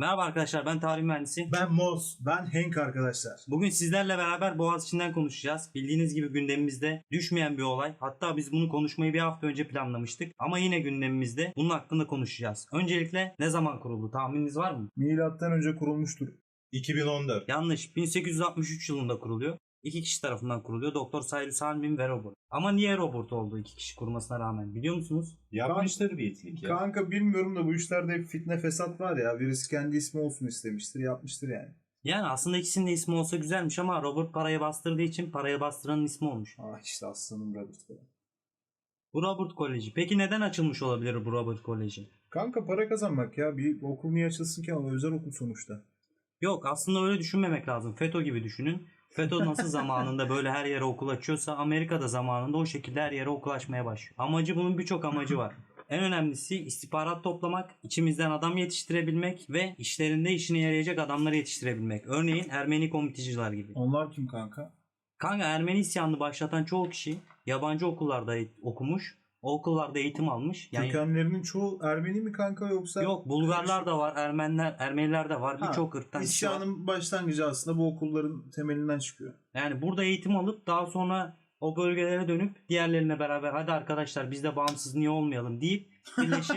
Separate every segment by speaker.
Speaker 1: Merhaba arkadaşlar, ben tarih mühendisi.
Speaker 2: Ben Moz, ben Hank arkadaşlar.
Speaker 1: Bugün sizlerle beraber Boğaziçi'nden konuşacağız. Bildiğiniz gibi gündemimizde düşmeyen bir olay. Hatta biz bunu konuşmayı bir hafta önce planlamıştık. Ama yine gündemimizde bunun hakkında konuşacağız. Öncelikle ne zaman kuruldu? Tahmininiz var mı?
Speaker 2: Milattan önce kurulmuştur.
Speaker 3: 2014.
Speaker 1: Yanlış. 1863 yılında kuruluyor. İki kişi tarafından kuruluyor. Doktor Cyrus Hahn ve Robert. Ama niye Robert oldu iki kişi kurmasına rağmen? Biliyor musunuz?
Speaker 3: Yapmıştır bir itlik ya.
Speaker 2: Kanka bilmiyorum da bu işlerde hep fitne fesat var ya. Birisi kendi ismi olsun istemiştir, yapmıştır yani.
Speaker 1: Yani aslında ikisinin de ismi olsa güzelmiş ama Robert parayı bastırdığı için parayı bastıranın ismi olmuş.
Speaker 2: Ah işte aslanım Robert falan.
Speaker 1: Bu Robert Koleji. Peki neden açılmış olabilir bu Robert Koleji?
Speaker 2: Kanka para kazanmak ya. Bir okul niye açılsın ki ama özel okul sonuçta.
Speaker 1: Yok, aslında öyle düşünmemek lazım. FETÖ gibi düşünün. FETÖ nasıl zamanında böyle her yere okul açıyorsa Amerika'da zamanında o şekilde her yere okul açmaya başlıyor. Bunun birçok amacı var. En önemlisi istihbarat toplamak, içimizden adam yetiştirebilmek ve işlerinde yarayacak adamları yetiştirebilmek. Örneğin Ermeni komiteciler gibi.
Speaker 2: Onlar kim kanka?
Speaker 1: Kanka, Ermeni isyanını başlatan çoğu kişi yabancı okullarda okumuş, o okullarda eğitim almış. Yani
Speaker 2: Kökenlerinin çoğu Ermeni mi kanka yoksa?
Speaker 1: yok, Bulgarlar da var, Ermeniler de var, birçok ırktan kişi var.
Speaker 2: İsyanın başlangıcı aslında bu okulların temelinden çıkıyor.
Speaker 1: Yani burada eğitim alıp daha sonra o bölgelere dönüp diğerlerine beraber hadi arkadaşlar biz de bağımsız niye olmayalım deyip birleşip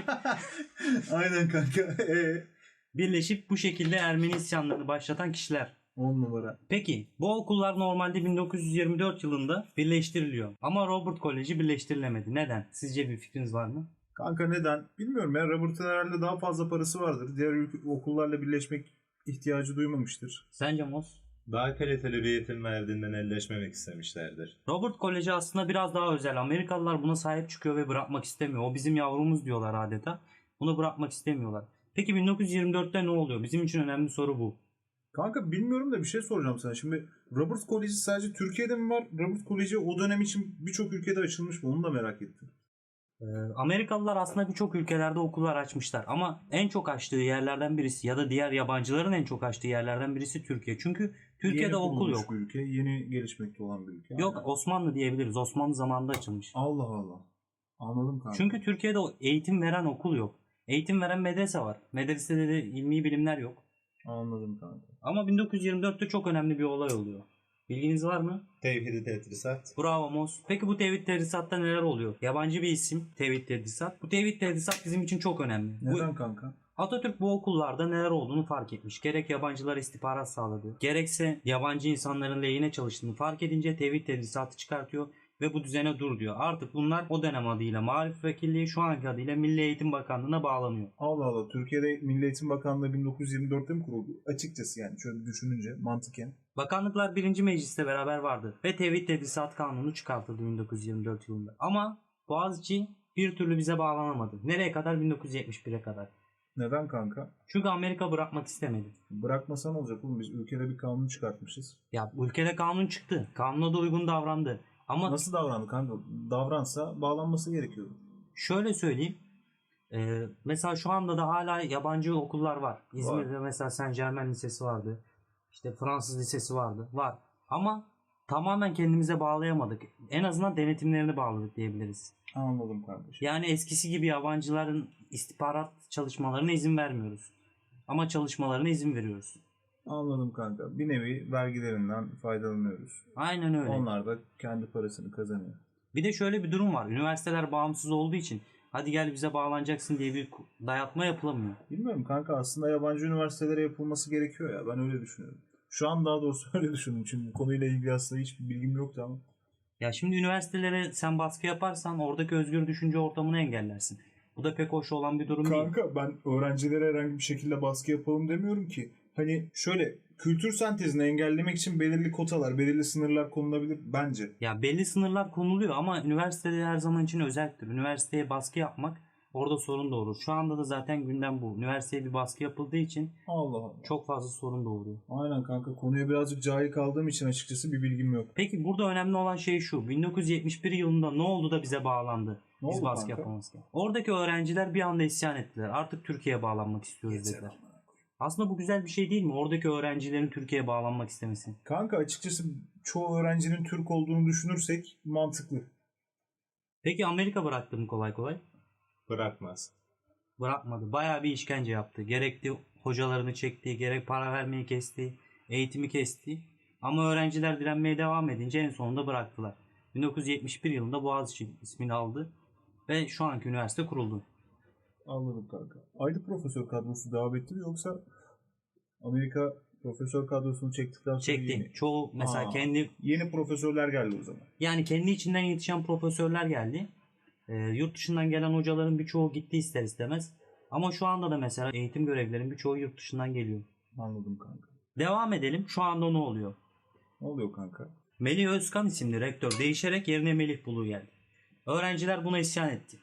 Speaker 2: Aynen kanka.
Speaker 1: birleşip bu şekilde Ermeni isyanlarını başlatan kişiler.
Speaker 2: 10 numara.
Speaker 1: Peki bu okullar normalde 1924 yılında birleştiriliyor. Ama Robert Koleji birleştirilemedi. Neden? Sizce bir fikriniz var mı?
Speaker 2: Kanka neden? Bilmiyorum ya. Robert'ın herhalde daha fazla parası vardır. Diğer okullarla birleşmek ihtiyacı duymamıştır.
Speaker 1: Sence Mos?
Speaker 3: Daha kaliteli bir eğitim verdiğinden elleşmemek istemişlerdir.
Speaker 1: Robert Koleji aslında biraz daha özel. Amerikalılar buna sahip çıkıyor ve bırakmak istemiyor. O bizim yavrumuz diyorlar adeta. Bunu bırakmak istemiyorlar. Peki 1924'te ne oluyor? Bizim için önemli soru bu.
Speaker 2: Kanka bilmiyorum da bir şey soracağım sana. Şimdi Robert Koleji sadece Türkiye'de mi var? Robert Koleji o dönem için birçok ülkede açılmış mı? Onu da merak ettim.
Speaker 1: Amerikalılar aslında birçok ülkelerde okullar açmışlar ama en çok açtığı yerlerden birisi ya da diğer yabancıların en çok açtığı yerlerden birisi Türkiye. Çünkü Türkiye'de
Speaker 2: Yeni
Speaker 1: okul
Speaker 2: kurulmuş
Speaker 1: yok.
Speaker 2: bir ülke. Yeni gelişmekte olan bir ülke.
Speaker 1: Yok,
Speaker 2: Aynen.
Speaker 1: Osmanlı diyebiliriz. Osmanlı zamanında açılmış.
Speaker 2: Allah Allah. Anladım kanka.
Speaker 1: Çünkü Türkiye'de eğitim veren okul yok. Eğitim veren medrese var. Medresede de ilmi bilimler yok.
Speaker 2: Anladım kanka.
Speaker 1: Ama 1924'te çok önemli bir olay oluyor. Bilginiz var mı?
Speaker 3: Tevhid-i tedrisat.
Speaker 1: Bravo Mos. Peki bu tevhid tedrisatta neler oluyor? Yabancı bir isim tevhid tedrisat. Bu tevhid tedrisat bizim için çok önemli.
Speaker 2: Neden kanka?
Speaker 1: Atatürk bu okullarda neler olduğunu fark etmiş. Gerek yabancılara istihbarat sağladı, gerekse yabancı insanların lehine çalıştığını fark edince tevhid tedrisatı çıkartıyor ve bu düzene dur diyor. Artık bunlar o dönem adıyla Maarif Vekilliği, şu anki adıyla Milli Eğitim Bakanlığı'na bağlanıyor.
Speaker 2: Allah Allah. Türkiye'de Milli Eğitim Bakanlığı 1924'te mi kuruldu? Açıkçası yani şöyle düşününce mantıken.
Speaker 1: Bakanlıklar 1. Meclis'te beraber vardı ve Tevhid Tedrisat Kanunu çıkartıldı 1924 yılında. Ama Boğaziçi bir türlü bize bağlanamadı. Nereye kadar? 1971'e kadar.
Speaker 2: Neden kanka?
Speaker 1: Çünkü Amerika bırakmak istemedi.
Speaker 2: Bırakmasa ne olacak oğlum? Biz ülkede bir kanun çıkartmışız.
Speaker 1: Ya ülkede kanun çıktı. Kanuna da uygun davrandı. Ama
Speaker 2: Nasıl davrandı kanka? Davransa bağlanması gerekiyordu.
Speaker 1: şöyle söyleyeyim. Mesela şu anda da hala yabancı okullar var. İzmir'de mesela Saint Germain Lisesi vardı. İşte Fransız Lisesi vardı. Var. Ama tamamen kendimize bağlayamadık. En azından denetimlerini bağladık diyebiliriz.
Speaker 2: Anladım kardeşim.
Speaker 1: Yani eskisi gibi yabancıların istihbarat çalışmalarına izin vermiyoruz. Ama çalışmalarına izin veriyoruz.
Speaker 2: Anladım kanka. Bir nevi vergilerinden faydalanıyoruz.
Speaker 1: Aynen öyle.
Speaker 2: Onlar da kendi parasını kazanıyor.
Speaker 1: Bir de şöyle bir durum var. Üniversiteler bağımsız olduğu için hadi gel bize bağlanacaksın diye bir dayatma yapılamıyor.
Speaker 2: Bilmiyorum kanka, aslında yabancı üniversitelere yapılması gerekiyor ya. Ben öyle düşünüyorum. Şu an daha doğrusu öyle düşündüm. Çünkü bu konuyla ilgili aslında hiçbir bilgim yoktu ama.
Speaker 1: Ya şimdi üniversitelere sen baskı yaparsan oradaki özgür düşünce ortamını engellersin. Bu da pek hoş olan bir durum değil.
Speaker 2: Kanka ben öğrencilere herhangi bir şekilde baskı yapalım demiyorum ki. Hani şöyle kültür sentezini engellemek için belirli kotalar, belirli sınırlar konulabilir bence.
Speaker 1: Ya belli sınırlar konuluyor ama üniversitede her zaman için özeldir. Üniversiteye baskı yapmak orada sorun doğurur. Şu anda da zaten gündem bu. Üniversiteye bir baskı yapıldığı için
Speaker 2: Allah Allah.
Speaker 1: çok fazla sorun doğuruyor.
Speaker 2: Aynen kanka, konuya birazcık cahil kaldığım için açıkçası bir bilgim yok.
Speaker 1: Peki burada önemli olan şey şu. 1971 yılında ne oldu da bize bağlandı?
Speaker 2: Ne
Speaker 1: Biz
Speaker 2: oldu
Speaker 1: baskı
Speaker 2: kanka?
Speaker 1: yapamazken. Oradaki öğrenciler bir anda isyan ettiler. Artık Türkiye'ye bağlanmak istiyoruz dediler. Aslında bu güzel bir şey değil mi? Oradaki öğrencilerin Türkiye'ye bağlanmak istemesi.
Speaker 2: Kanka açıkçası çoğu öğrencinin Türk olduğunu düşünürsek mantıklı.
Speaker 1: Peki Amerika bıraktı mı kolay kolay?
Speaker 3: Bırakmaz.
Speaker 1: Bırakmadı. Bayağı bir işkence yaptı. Gerekli hocalarını çekti, gerek para vermeyi kesti, eğitimi kesti. Ama öğrenciler direnmeye devam edince en sonunda bıraktılar. 1971 yılında Boğaziçi ismini aldı ve şu anki üniversite kuruldu.
Speaker 2: Anladım kanka. Aynı profesör kadrosu devam etti mi yoksa Amerika profesör kadrosunu çektikten sonra
Speaker 1: Çekti. Çoğu mesela
Speaker 2: Aa.
Speaker 1: kendi
Speaker 2: yeni profesörler geldi o zaman.
Speaker 1: yani kendi içinden yetişen profesörler geldi. Yurt dışından gelen hocaların birçoğu gitti ister istemez. Ama şu anda da mesela eğitim görevlilerin birçoğu yurt dışından geliyor.
Speaker 2: Anladım kanka.
Speaker 1: Devam edelim. Şu anda ne oluyor?
Speaker 2: Ne oluyor kanka?
Speaker 1: Melih Özkan isimli rektör değişerek yerine Melih Bulu geldi. Öğrenciler buna isyan etti.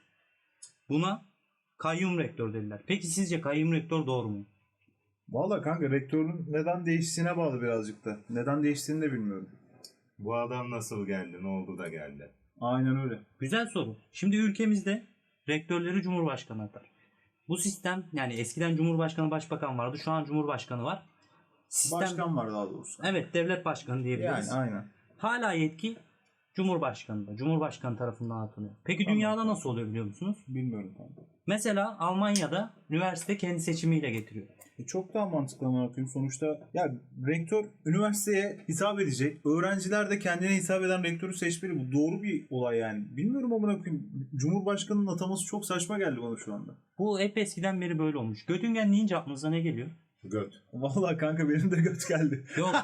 Speaker 1: Buna kayyum rektör dediler. Peki sizce kayyum rektör doğru mu?
Speaker 2: Valla kanka rektörün neden değiştiğine bağlı birazcık da. Neden değiştiğini de bilmiyorum.
Speaker 3: Bu adam nasıl geldi? Ne oldu da geldi?
Speaker 2: Aynen öyle.
Speaker 1: Güzel soru. Şimdi ülkemizde rektörleri Cumhurbaşkanı atar. Bu sistem yani eskiden Cumhurbaşkanı Başbakan vardı. Şu an Cumhurbaşkanı var. Sistem,
Speaker 2: Başkan var daha doğrusu.
Speaker 1: evet devlet başkanı diyebiliriz.
Speaker 2: Yani aynen.
Speaker 1: Hala yetki Cumhurbaşkanı'nda. Cumhurbaşkanı tarafından atılıyor. Peki
Speaker 2: Tamam.
Speaker 1: dünyada nasıl oluyor biliyor musunuz?
Speaker 2: Bilmiyorum kanka.
Speaker 1: Mesela Almanya'da üniversite kendi seçimiyle getiriyor.
Speaker 2: Çok daha mantıklı ama bakayım. Sonuçta ya rektör üniversiteye hitap edecek. Öğrenciler de kendine hitap eden rektörü seçmeli. Bu doğru bir olay yani. Bilmiyorum ama bakayım. Cumhurbaşkanının ataması çok saçma geldi bana şu anda.
Speaker 1: Bu hep eskiden beri böyle olmuş. Göttingen deyince aklınıza ne geliyor?
Speaker 3: Göt.
Speaker 2: Vallahi kanka benim de göt geldi.
Speaker 1: Yok.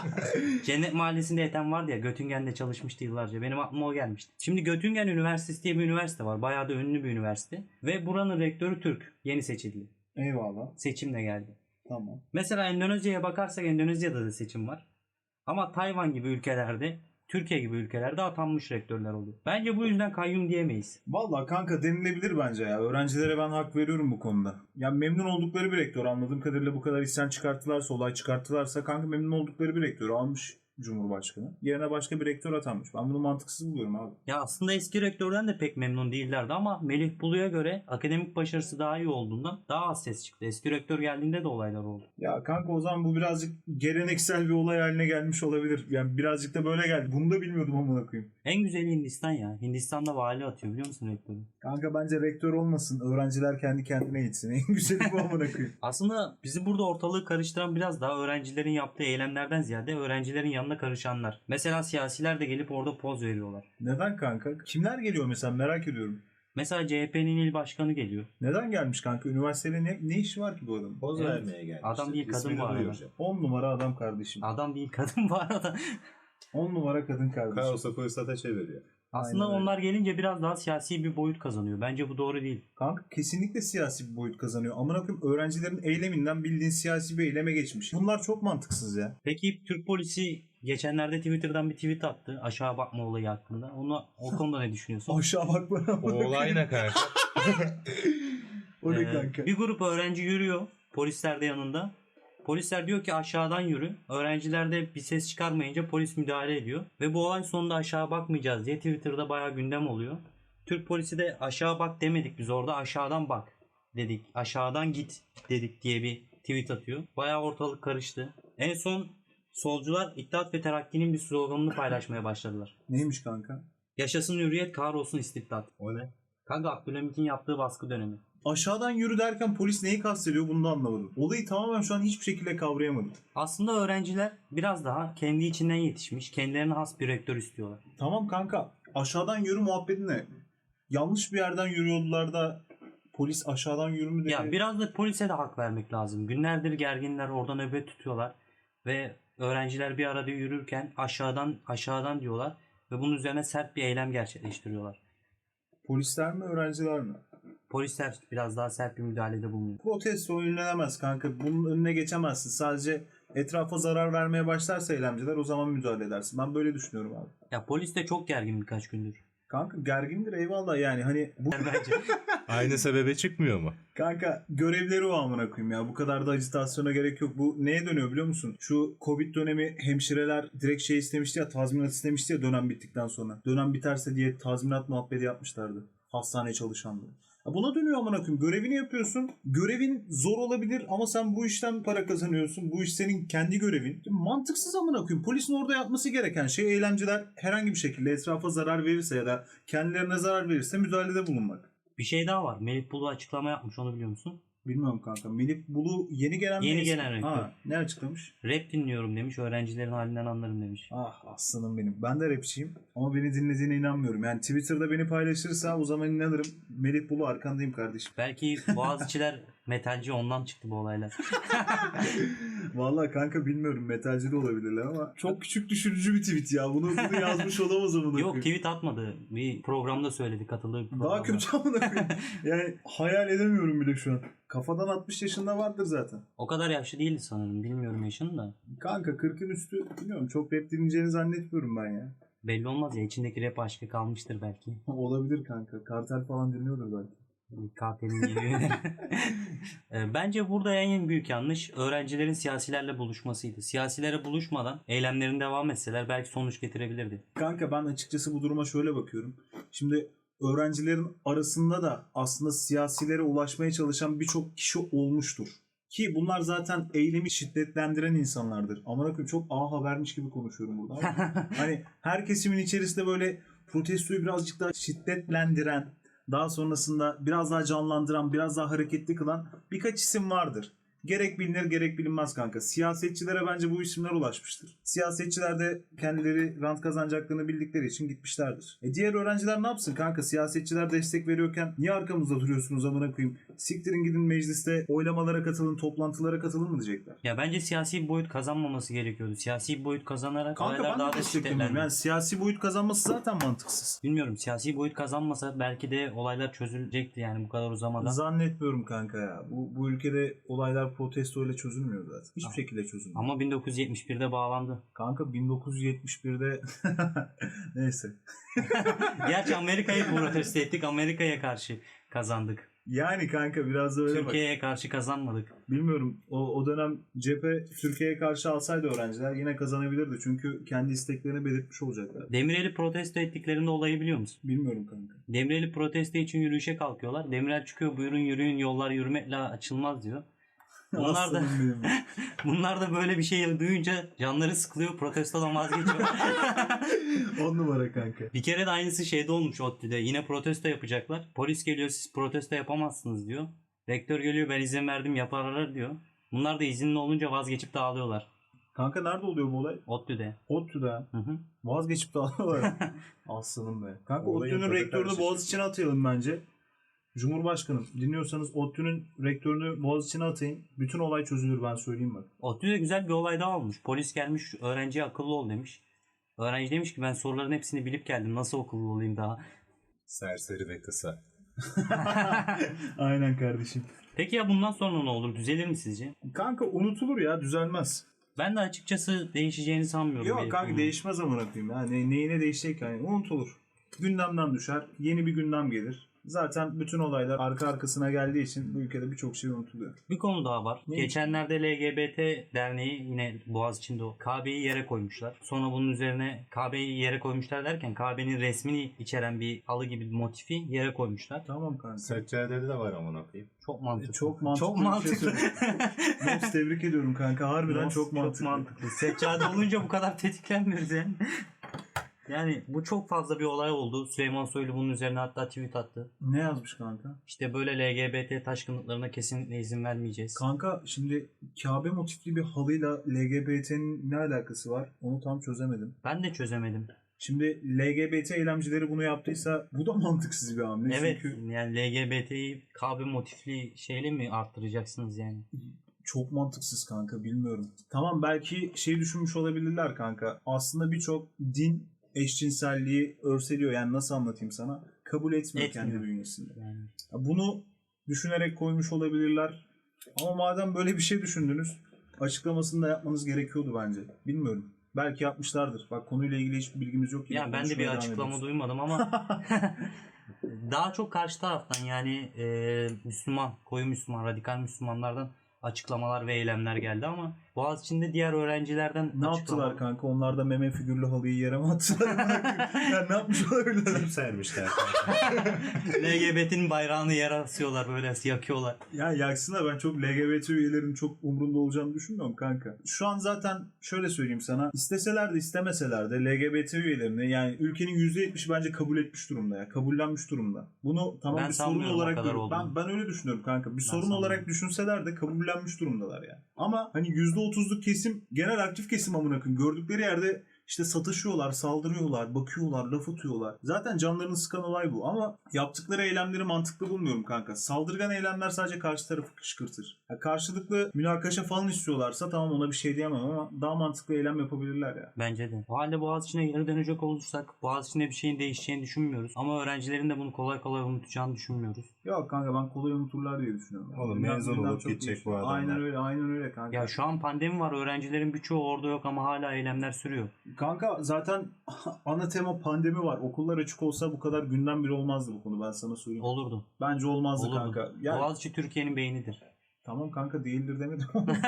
Speaker 1: Cennet Mahallesi'nde Ethem vardı ya, Göttingen'de çalışmıştı yıllarca. Benim aklıma o gelmişti. Şimdi Göttingen Üniversitesi diye bir üniversite var. Bayağı da ünlü bir üniversite. Ve buranın rektörü Türk. Yeni seçildi.
Speaker 2: Eyvallah.
Speaker 1: Seçimle geldi.
Speaker 2: Tamam.
Speaker 1: Mesela Endonezya'ya bakarsak Endonezya'da da seçim var. Ama Tayvan gibi ülkelerde, Türkiye gibi ülkelerde atanmış rektörler oluyor. Bence bu yüzden kayyum diyemeyiz.
Speaker 2: Vallahi kanka denilebilir bence ya. Öğrencilere ben hak veriyorum bu konuda. Ya memnun oldukları bir rektör. Anladığım kadarıyla bu kadar isyan çıkarttılarsa, olay çıkarttılarsa kanka memnun oldukları bir rektörü almış Cumhurbaşkanı. Yerine başka bir rektör atanmış. Ben bunu mantıksız buluyorum abi.
Speaker 1: Ya aslında eski rektörden de pek memnun değillerdi ama Melih Bulu'ya göre akademik başarısı daha iyi olduğundan daha az ses çıktı. Eski rektör geldiğinde de olaylar oldu.
Speaker 2: Ya kanka o zaman bu birazcık geleneksel bir olay haline gelmiş olabilir. Yani birazcık da böyle geldi. Bunu da bilmiyordum amına koyayım.
Speaker 1: En güzeli Hindistan ya. Hindistan'da vali atıyor biliyor musun rektörü?
Speaker 2: Kanka bence rektör olmasın. Öğrenciler kendi kendine gitsin. En güzeli bu amına koyayım.
Speaker 1: Aslında bizi burada ortalığı karıştıran biraz daha öğrencilerin yaptığı eylemlerden ziyade öğrencilerin yanına karışanlar. Mesela siyasiler de gelip orada poz veriyorlar.
Speaker 2: Neden kanka? Kimler geliyor mesela merak ediyorum.
Speaker 1: Mesela CHP'nin il başkanı geliyor.
Speaker 2: Neden gelmiş kanka? Üniversitede ne işi var ki bu adamın?
Speaker 3: Poz
Speaker 1: Evet.
Speaker 3: vermeye gelmişti.
Speaker 1: Adam değil, kadın
Speaker 3: İsmini
Speaker 1: bu arada.
Speaker 3: duyuracak.
Speaker 2: 10 numara adam kardeşim.
Speaker 1: Adam değil kadın bu arada.
Speaker 2: 10 numara kadın kardeşim.
Speaker 3: Kaosa fırsata çeviriyor.
Speaker 1: Aslında
Speaker 2: Aynen öyle.
Speaker 1: onlar gelince biraz daha siyasi bir boyut kazanıyor. Bence bu doğru değil.
Speaker 2: Kanka kesinlikle siyasi bir boyut kazanıyor. Amına koyayım öğrencilerin eyleminden bildiğin siyasi bir eyleme geçmiş. Bunlar çok mantıksız ya.
Speaker 1: Peki Türk polisi geçenlerde Twitter'dan bir tweet attı. Aşağı bakma olayı hakkında. O konuda ne düşünüyorsun?
Speaker 2: Aşağı bak bana.
Speaker 3: O olay ne kanka?
Speaker 2: O ne kanka?
Speaker 1: Bir grup öğrenci yürüyor. Polisler de yanında. Polisler diyor ki aşağıdan yürü. Öğrenciler de bir ses çıkarmayınca polis müdahale ediyor. Ve bu olay sonunda aşağı bakmayacağız diye Twitter'da bayağı gündem oluyor. Türk polisi de aşağı bak demedik biz orada, aşağıdan bak dedik. Aşağıdan git dedik diye bir tweet atıyor. Bayağı ortalık karıştı. En son solcular İttihat ve Terakki'nin bir sloganını paylaşmaya başladılar.
Speaker 2: Neymiş kanka?
Speaker 1: Yaşasın hürriyet, kahrolsun istibdat.
Speaker 3: O ne?
Speaker 1: Kanka Abdülhamit'in yaptığı baskı dönemi.
Speaker 2: Aşağıdan yürü derken polis neyi kastediyor bunu da anlamadım. Olayı tamamen şu an hiçbir şekilde kavrayamadım.
Speaker 1: Aslında öğrenciler biraz daha kendi içinden yetişmiş, kendilerine has bir rektör istiyorlar.
Speaker 2: Tamam kanka aşağıdan yürü muhabbeti ne? Yanlış bir yerden yürüyordular da polis aşağıdan yürü mü dedi?
Speaker 1: Ya biraz da polise de hak vermek lazım. Günlerdir gerginler, orada nöbet tutuyorlar ve öğrenciler bir arada yürürken aşağıdan diyorlar ve bunun üzerine sert bir eylem gerçekleştiriyorlar.
Speaker 2: Polisler mi öğrenciler mi?
Speaker 1: Polisler biraz daha sert bir müdahalede bulunuyor.
Speaker 2: Protesto önlenemez kanka. Bunun önüne geçemezsin. Sadece etrafa zarar vermeye başlarsa eylemciler o zaman müdahale edersin. Ben böyle düşünüyorum abi.
Speaker 1: Ya polis de çok gergin birkaç gündür.
Speaker 2: Kanka gergindir eyvallah yani hani bu
Speaker 1: Bence.
Speaker 3: Aynı sebebe çıkmıyor mu?
Speaker 2: kanka görevleri o amına koyayım ya. Bu kadar da agitasyona gerek yok. Bu neye dönüyor biliyor musun? Şu Covid dönemi hemşireler direkt şey istemişti ya, tazminat istemişti ya dönem bittikten sonra. Dönem biterse diye tazminat muhabbeti yapmışlardı. Hastane çalışanları. Ya buna dönüyor amına koyayım. Görevini yapıyorsun. Görevin zor olabilir ama sen bu işten para kazanıyorsun. Bu iş senin kendi görevin. Mantıksız amına koyayım. Polisin orada yapması gereken şey eylemciler herhangi bir şekilde etrafa zarar verirse ya da kendilerine zarar verirse müdahalede bulunmak.
Speaker 1: Bir şey daha var. Melih Bulu açıklama yapmış, onu biliyor musun?
Speaker 2: Bilmiyorum kanka. Melih Bulu yeni gelen mi?
Speaker 1: Yeni gelen rektör.
Speaker 2: Ha, ne açıklamış?
Speaker 1: Rap dinliyorum demiş. Öğrencilerin halinden anlarım demiş.
Speaker 2: Ah aslanım benim. Ben de rapçiyim ama beni dinlediğine inanmıyorum. Yani Twitter'da beni paylaşırsa o zaman inanırım. Melih Bulu arkandayım kardeşim.
Speaker 1: Belki Boğaziçi'ler metalci, ondan çıktı bu olaylar.
Speaker 2: Vallahi kanka bilmiyorum, metalci de olabilirler ama çok küçük düşürücü bir tweet ya. Bunu yazmış olamaz amına
Speaker 1: Yok,
Speaker 2: koyayım.
Speaker 1: tweet atmadı. Bir programda söyledi, katıldığı bir programda.
Speaker 2: Daha kötü amına koyayım. Yani hayal edemiyorum bile şu an. Kafadan 60 yaşında vardır zaten.
Speaker 1: O kadar yaşlı değildi sanırım. Bilmiyorum yaşını da.
Speaker 2: Kanka 40'ın üstü bilmiyorum. Çok rap dinleyeceğini zannetmiyorum ben ya.
Speaker 1: Belli olmaz ya. İçindeki rap aşkı kalmıştır belki.
Speaker 2: Olabilir kanka. Kartel falan dinliyordur belki.
Speaker 1: Kartelin geliyor. Bence burada en büyük yanlış öğrencilerin siyasilerle buluşmasıydı. Siyasilere buluşmadan eylemlerini devam etseler belki sonuç getirebilirdi.
Speaker 2: Kanka ben açıkçası bu duruma şöyle bakıyorum. Şimdi öğrencilerin arasında da aslında siyasilere ulaşmaya çalışan birçok kişi olmuştur. Ki bunlar zaten eylemi şiddetlendiren insanlardır. Amına koyayım, çok A Habermiş gibi konuşuyorum burada ama hani her kesimin içerisinde böyle protestoyu birazcık daha şiddetlendiren, daha sonrasında biraz daha canlandıran, biraz daha hareketli kılan birkaç isim vardır. Gerek bilinir gerek bilinmez kanka. Siyasetçilere bence bu isimler ulaşmıştır. Siyasetçiler de kendileri rant kazanacaklarını bildikleri için gitmişlerdir. Diğer öğrenciler ne yapsın kanka? Siyasetçiler destek veriyorken niye arkamızda duruyorsunuz amına koyayım? Siktirin gidin mecliste oylamalara katılın, toplantılara katılın mı diyecekler.
Speaker 1: Ya bence siyasi bir boyut kazanmaması gerekiyordu. Siyasi bir boyut kazanarak
Speaker 2: Kanka
Speaker 1: olaylar
Speaker 2: ben
Speaker 1: daha
Speaker 2: de
Speaker 1: da
Speaker 2: desteklemiyorum.
Speaker 1: şiddetlendi.
Speaker 2: Yani siyasi boyut kazanması zaten mantıksız.
Speaker 1: Bilmiyorum, siyasi boyut kazanmasa belki de olaylar çözülecekti yani bu kadar uzamadan.
Speaker 2: Zannetmiyorum kanka ya. Bu ülkede olaylar protesto ile çözülmüyor zaten. Hiçbir şekilde çözülmüyor.
Speaker 1: Ama 1971'de bağlandı.
Speaker 2: Kanka 1971'de neyse.
Speaker 1: Gerçi Amerika'yı protesto ettik. Amerika'ya karşı kazandık.
Speaker 2: Yani kanka biraz da öyle bak.
Speaker 1: Türkiye'ye karşı kazanmadık.
Speaker 2: Bilmiyorum. O dönem cephe Türkiye'ye karşı alsaydı öğrenciler yine kazanabilirdi. Çünkü kendi isteklerini belirtmiş olacaklar.
Speaker 1: Demirel'i protesto ettiklerinde olayı biliyor musun?
Speaker 2: Bilmiyorum kanka.
Speaker 1: Demirel'i protesto için yürüyüşe kalkıyorlar. Demirel çıkıyor, buyurun yürüyün, yollar yürümekle açılmaz diyor. Bunlar da,
Speaker 2: Aslanım benim.
Speaker 1: bunlar da böyle bir şey duyunca canları sıkılıyor, protestodan vazgeçiyor.
Speaker 2: 10 numara kanka.
Speaker 1: Bir kere de aynısı şeyde olmuş ODTÜ'de. Yine protesto yapacaklar. Polis geliyor, siz protesto yapamazsınız diyor. Rektör geliyor, ben izin verdim yaparlar diyor. Bunlar da izinli olunca vazgeçip dağılıyorlar.
Speaker 2: Kanka nerede oluyor bu olay?
Speaker 1: ODTÜ'de.
Speaker 2: ODTÜ'de.
Speaker 1: Hı hı.
Speaker 2: Vazgeçip dağılıyorlar. Aslanım be. Kanka
Speaker 3: Olayın
Speaker 2: ODTÜ'nün
Speaker 3: tadı
Speaker 2: rektörünü
Speaker 3: karışık.
Speaker 2: Boğaziçi'ne atayalım bence. Cumhurbaşkanım dinliyorsanız ODTÜ'nün rektörünü Boğaziçi'ne atayın. Bütün olay çözülür, ben söyleyeyim bak.
Speaker 1: ODTÜ'de güzel bir olay daha olmuş. Polis gelmiş, öğrenciye akıllı ol demiş. Öğrenci demiş ki ben soruların hepsini bilip geldim. Nasıl akıllı olayım daha?
Speaker 3: Serseri ve kısa.
Speaker 2: Aynen kardeşim.
Speaker 1: Peki ya bundan sonra ne olur? Düzelir mi sizce?
Speaker 2: Kanka unutulur ya, düzelmez.
Speaker 1: Ben de açıkçası değişeceğini sanmıyorum.
Speaker 2: Yok
Speaker 1: Melih
Speaker 2: kanka
Speaker 1: Bulu'nun.
Speaker 2: değişmez amına koyayım ya. Neyine değişecek yani, unutulur. Gündemden düşer, yeni bir gündem gelir. Zaten bütün olaylar arka arkasına geldiği için bu ülkede birçok şey unutuluyor.
Speaker 1: Bir konu daha var.
Speaker 2: Ne?
Speaker 1: Geçenlerde LGBT derneği yine Boğaziçi'nde o Kabe'yi yere koymuşlar. Sonra bunun üzerine Kabe'yi yere koymuşlar derken Kabe'nin resmini içeren bir halı gibi bir motifi yere koymuşlar.
Speaker 2: Tamam kanka.
Speaker 3: Seccadede de var amına koyayım.
Speaker 1: Çok mantıklı.
Speaker 2: Çok mantıklı.
Speaker 1: Çok
Speaker 2: bir şey
Speaker 1: mantıklı.
Speaker 2: söylüyorsun. Mops tebrik ediyorum kanka. Harbiden çok mantıklı.
Speaker 1: Seccade olunca bu kadar tetiklenmiyoruz yani. Yani bu çok fazla bir olay oldu. Süleyman Soylu bunun üzerine hatta tweet attı.
Speaker 2: Ne yazmış kanka?
Speaker 1: İşte böyle LGBT taşkınlıklarına kesinlikle izin vermeyeceğiz.
Speaker 2: Kanka şimdi Kabe motifli bir halıyla LGBT'nin ne alakası var? Onu tam çözemedim.
Speaker 1: Ben de çözemedim.
Speaker 2: Şimdi LGBT eylemcileri bunu yaptıysa bu da mantıksız bir hamle.
Speaker 1: Evet,
Speaker 2: Çünkü
Speaker 1: yani LGBT'yi KB motifli şeyle mi arttıracaksınız yani?
Speaker 2: çok mantıksız kanka, bilmiyorum. Tamam, belki şey düşünmüş olabilirler kanka. Aslında birçok din eşcinselliği örseliyor. Yani nasıl anlatayım sana? Kabul etmiyor kendi bünyesinde.
Speaker 1: Yani
Speaker 2: Bunu düşünerek koymuş olabilirler. Ama madem böyle bir şey düşündünüz, açıklamasını da yapmanız gerekiyordu bence. Bilmiyorum. Belki yapmışlardır. Bak konuyla ilgili hiçbir bilgimiz yok. Yine
Speaker 1: ya ben de bir
Speaker 2: konuşmaya devam
Speaker 1: açıklama
Speaker 2: ediyoruz.
Speaker 1: duymadım ama daha çok karşı taraftan yani Müslüman, koyu Müslüman, radikal Müslümanlardan açıklamalar ve eylemler geldi ama Boğaziçi'nde diğer öğrencilerden
Speaker 2: Ne yaptılar kanka? Onlar da meme figürlü halıyı yere mi attılar? Ya ne yapmış olabilirler?
Speaker 3: Kim sermişler?
Speaker 1: LGBT'nin bayrağını yere asıyorlar, böyle yakıyorlar.
Speaker 2: Ya yaksınlar, ben çok LGBT üyelerinin çok umrunda olacağını düşünmüyorum kanka. Şu an zaten şöyle söyleyeyim sana. İsteseler de istemeseler de LGBT üyelerini, yani ülkenin %70'i bence kabul etmiş durumda ya. Kabullenmiş durumda. Bunu tamam
Speaker 1: Ben
Speaker 2: bir sorun
Speaker 1: sanmıyorum o
Speaker 2: olarak
Speaker 1: kadar
Speaker 2: görüyorum.
Speaker 1: olduğunu.
Speaker 2: Ben öyle düşünüyorum kanka. Bir sorun
Speaker 1: sanmıyorum.
Speaker 2: olarak düşünseler de kabullenmiş durumdalar yani. Ama hani %30'luk kesim, genel aktif kesim amına koyayım. Gördükleri yerde işte satışıyorlar, saldırıyorlar, bakıyorlar, laf atıyorlar. Zaten canlarını sıkan olay bu. Ama yaptıkları eylemleri mantıklı bulmuyorum kanka. Saldırgan eylemler sadece karşı tarafı kışkırtır. Ya karşılıklı münakaşa falan istiyorlarsa tamam, ona bir şey diyemem ama daha mantıklı eylem yapabilirler ya.
Speaker 1: Bence de. O halde Boğaziçi'ne geri dönecek olursak Boğaziçi'nde bir şeyin değişeceğini düşünmüyoruz. Ama öğrencilerin de bunu kolay kolay unutacağını düşünmüyoruz.
Speaker 2: Yok kanka, ben kolay unuturlar diye düşünüyorum.
Speaker 3: Oğlum
Speaker 2: Gündem-
Speaker 3: mezun
Speaker 2: gündem
Speaker 3: olup
Speaker 2: çok
Speaker 3: gidecek
Speaker 2: değişiyor.
Speaker 3: bu adamlar.
Speaker 2: Aynen öyle kanka.
Speaker 1: Ya şu an pandemi var. Öğrencilerin birçoğu orada yok ama hala eylemler sürüyor.
Speaker 2: Kanka zaten ana tema pandemi var. Okullar açık olsa bu kadar gündem bile olmazdı bu konu, ben sana söyleyeyim.
Speaker 1: Olurdu.
Speaker 2: Bence olmazdı
Speaker 1: Olurdu.
Speaker 2: kanka. Ya,
Speaker 1: Boğaziçi Türkiye'nin beynidir.
Speaker 2: tamam kanka, değildir demedim.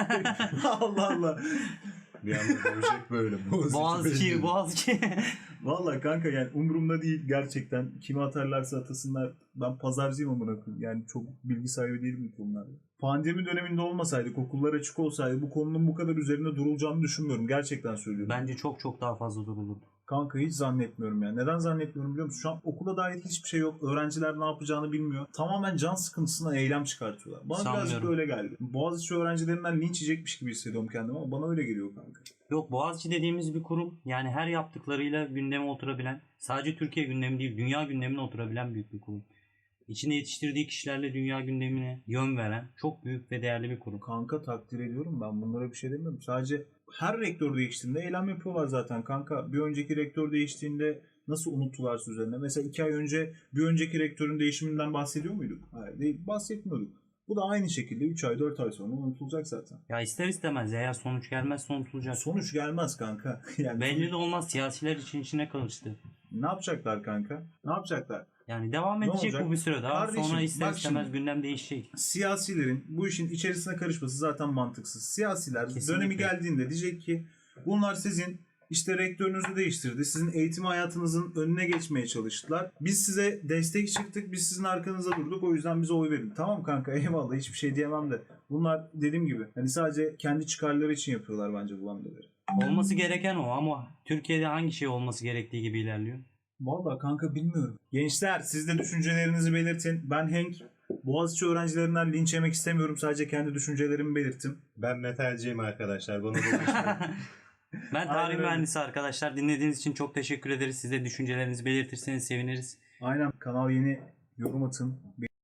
Speaker 2: Allah Allah.
Speaker 3: Bir anda dövecek böyle.
Speaker 1: Boğaziçi.
Speaker 2: Vallahi kanka, yani umurumda değil gerçekten. Kimi atarlarsa atasınlar. Ben pazarcıyım amına koyayım. Yani çok bilgi sahibi değilim bu konularda. Pandemi döneminde olmasaydık, okullar açık olsaydı bu konunun bu kadar üzerine durulacağını düşünmüyorum. Gerçekten söylüyorum.
Speaker 1: Bence çok çok daha fazla durulurdu.
Speaker 2: Kanka hiç zannetmiyorum ya. Neden zannetmiyorum biliyor musun? Şu an okula dair hiçbir şey yok. Öğrenciler ne yapacağını bilmiyor. Tamamen can sıkıntısına eylem çıkartıyorlar. Bana birazcık
Speaker 1: Sanmıyorum.
Speaker 2: öyle geldi. Boğaziçi öğrencilerinden linç yiyecekmiş gibi hissediyorum kendimi ama bana öyle geliyor kanka.
Speaker 1: Yok, Boğaziçi dediğimiz bir kurum, yani her yaptıklarıyla gündeme oturabilen, sadece Türkiye gündemi değil dünya gündemine oturabilen büyük bir kurum. İçinde yetiştirdiği kişilerle dünya gündemine yön veren çok büyük ve değerli bir kurum.
Speaker 2: Kanka takdir ediyorum, ben bunlara bir şey demiyorum. Sadece her rektör değiştiğinde eylem yapıyorlar zaten kanka. Bir önceki rektör değiştiğinde nasıl unuttularsa üzerine. Mesela 2 ay önce bir önceki rektörün değişiminden bahsediyor muyduk? Hayır, değil, bahsetmiyorduk. Bu da aynı şekilde 3 ay 4 ay sonra unutulacak zaten.
Speaker 1: Ya ister istemez eğer sonuç gelmezse unutulacak.
Speaker 2: Sonuç gelmez kanka. Yani
Speaker 1: Belli de olmaz, siyasiler için içine karıştı.
Speaker 2: ne yapacaklar kanka? Ne yapacaklar?
Speaker 1: Yani devam
Speaker 2: Ne
Speaker 1: edecek
Speaker 2: olacak?
Speaker 1: bu bir süre daha.
Speaker 2: Kardeşim,
Speaker 1: Sonra ister
Speaker 2: bak
Speaker 1: istemez
Speaker 2: şimdi.
Speaker 1: gündem değişecek.
Speaker 2: Siyasilerin bu işin içerisine karışması zaten mantıksız. Siyasiler
Speaker 1: Kesinlikle.
Speaker 2: dönemi geldiğinde diyecek ki bunlar sizin işte rektörünüzü değiştirdi. Sizin eğitim hayatınızın önüne geçmeye çalıştılar. Biz size destek çıktık. Biz sizin arkanıza durduk. O yüzden bize oy verin. Tamam kanka, eyvallah, hiçbir şey diyemem de. Bunlar dediğim gibi hani sadece kendi çıkarları için yapıyorlar bence bu hamleleri.
Speaker 1: Olması gereken o ama Türkiye'de hangi şey olması gerektiği gibi ilerliyor.
Speaker 2: Vallahi kanka bilmiyorum. Gençler, siz de düşüncelerinizi belirtin. Ben Hank. Boğaziçi öğrencilerinden linç yemek istemiyorum. Sadece kendi düşüncelerimi belirttim.
Speaker 3: Ben metalciyim arkadaşlar. Bana bulaşmayın.
Speaker 1: Ben
Speaker 2: Aynen
Speaker 1: tarih
Speaker 2: öyle.
Speaker 1: mühendisi arkadaşlar. Dinlediğiniz için çok teşekkür ederiz. Siz de düşüncelerinizi belirtirseniz seviniriz.
Speaker 2: Aynen, kanal yeni, yorum atın.